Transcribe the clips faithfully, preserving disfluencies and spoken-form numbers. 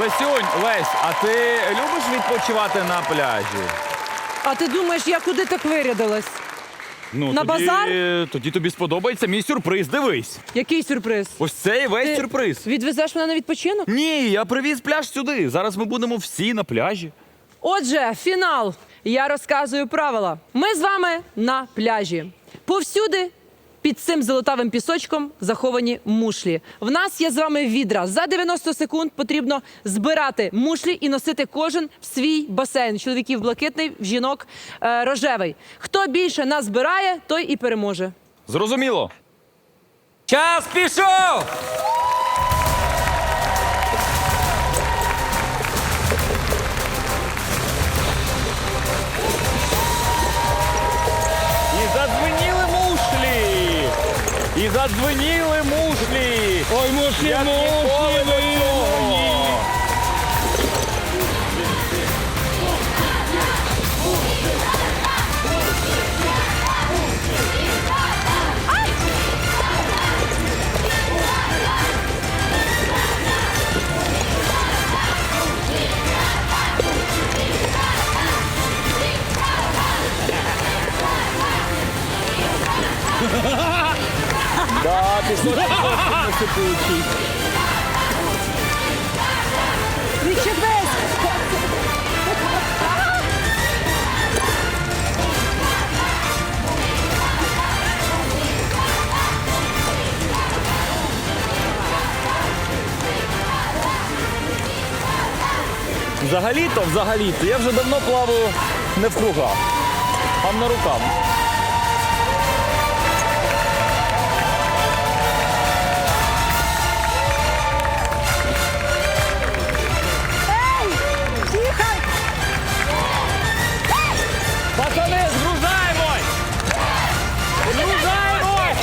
Лесюнь, Лесь, а ти любиш відпочивати на пляжі? А ти думаєш, я куди так вирядилась? Ну, На тоді, базар? Тоді тобі сподобається мій сюрприз, дивись. Який сюрприз? Ось цей весь Ти сюрприз. відвезеш мене на відпочинок? Ні, я привіз пляж сюди. Зараз ми будемо всі на пляжі. Отже, фінал. Я розказую правила. Ми з вами на пляжі. Повсюди під цим золотавим пісочком заховані мушлі. В нас є з вами відра. За дев'яносто секунд потрібно збирати мушлі і носити кожен в свій басейн. Чоловіків блакитний, в жінок е, рожевий. Хто більше назбирає, той і переможе. Зрозуміло. Час пішов! І задзвеніли мушлі! І задзвеніли мушлі! Ой, мушлі, Як ніколи до цього! Да, пісочок досить насипучий. Відчепись! Взагалі-то, взагалі-то, я вже давно плаваю не в кругах, а на руках. Пацани, згружаємось! Згружаємось!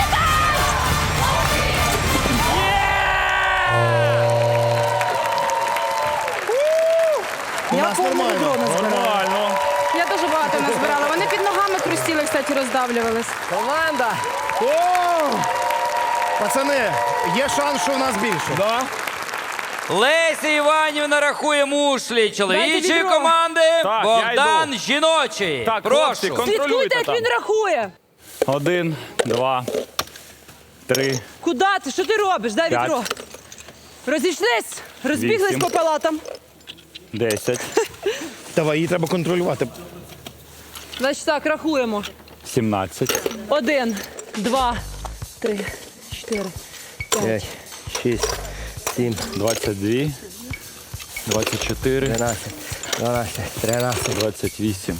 Я повного відро назбирала. Нормально. Я дуже багато назбирала. Вони під ногами хрустіли, кстати, роздавлювались. Команда! О! Пацани, є шанс, що у нас більше. Да? Леся Іванівна рахує мушлі Дайте чоловічої відро. команди, Так, я Богдан йду. жіночої. Так, прошу. хлопці, кон- Слідкуйте, Контролюйте як там. він рахує. Один, два, три, Куди ти? Що ти робиш? Дай П'ять. відро. Розійшлись, розбіглись Вісім. по палатам. десять, Давай, її треба контролювати. Значить так, рахуємо. сімнадцять, Один, два, три, чотири, п'ять. шість, сім, двадцять два, двадцять чотири, тринадцять, дванадцять, тринадцять, двадцять вісім,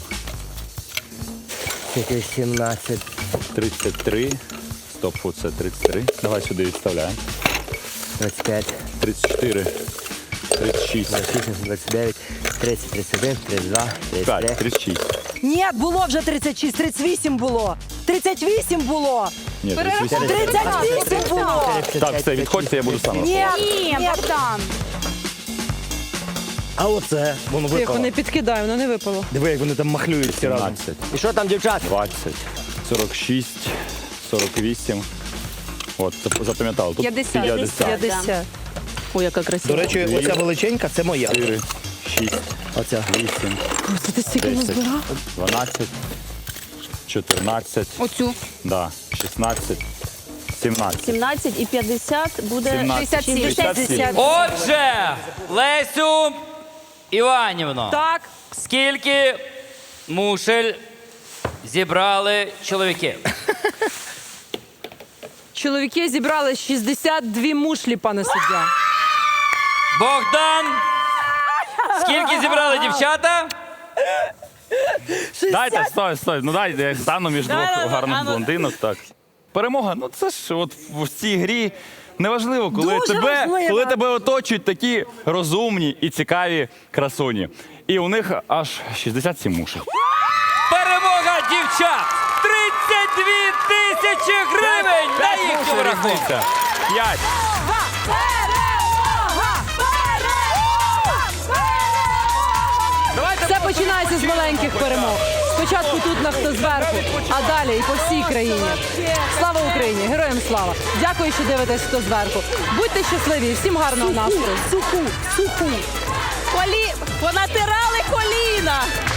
сімнадцять, тридцять три. Стоп, оце тридцять три. Давай сюди відставляємо. двадцять п'ять, тридцять чотири, тридцять шість, двадцять шість, двадцять дев'ять, тридцять, тридцять один, тридцять два, тридцять п'ять, три. тридцять шість. Ні, було вже тридцять шість, тридцять вісім було. тридцять вісім було. Ні, тридцять вісім. тридцять вісім було. Так, все, відходьте, я буду сам. Ні, Ні, ні. Богдан. А оце, воно Тихо, випало. не підкидай, воно не випало. Диви, як вони там махлюють всі разом. сімнадцять, І що там, дівчат? двадцять, сорок шість, сорок вісім. От, це запам'ятали. Тут п'ятдесят. п'ятдесят. п'ятдесят. Ой, яка красива. До речі, оця величенька, це моя. чотири, шість, Оця. вісім, Це ти стільки десять, назбирав? дванадцять, чотирнадцять, Оцю. да, шістнадцять, сімнадцять. сімнадцять і п'ятдесят буде сімнадцять. шістдесят сім. шістдесят сім. Отже, Лесю Іванівно, Так, скільки мушель зібрали чоловіки? чоловіки зібрали шістдесят дві мушлі, пане суддя. Богдан, скільки зібрали дівчата? Дайте, стой, стой. Ну дайте, я стану між двох Да-да-да, гарних а ну. блондинок. Так. Перемога, ну це ж от в цій грі неважливо, коли Дуже тебе, важливо. коли тебе оточують такі розумні і цікаві красуні. І у них аж шістдесят сім мушей. Перемога дівчат! тридцять дві тисячі гривень на П'ять їхньому мушей рахунку! різниця. П'ять. Все починається з маленьких перемог. Спочатку тут на хто зверху, а далі і по всій країні. Слава Україні! Героям слава! Дякую, що дивитесь хто зверху. Будьте щасливі і всім гарного настрою. Суху, суху. Колі... Понатирали коліна.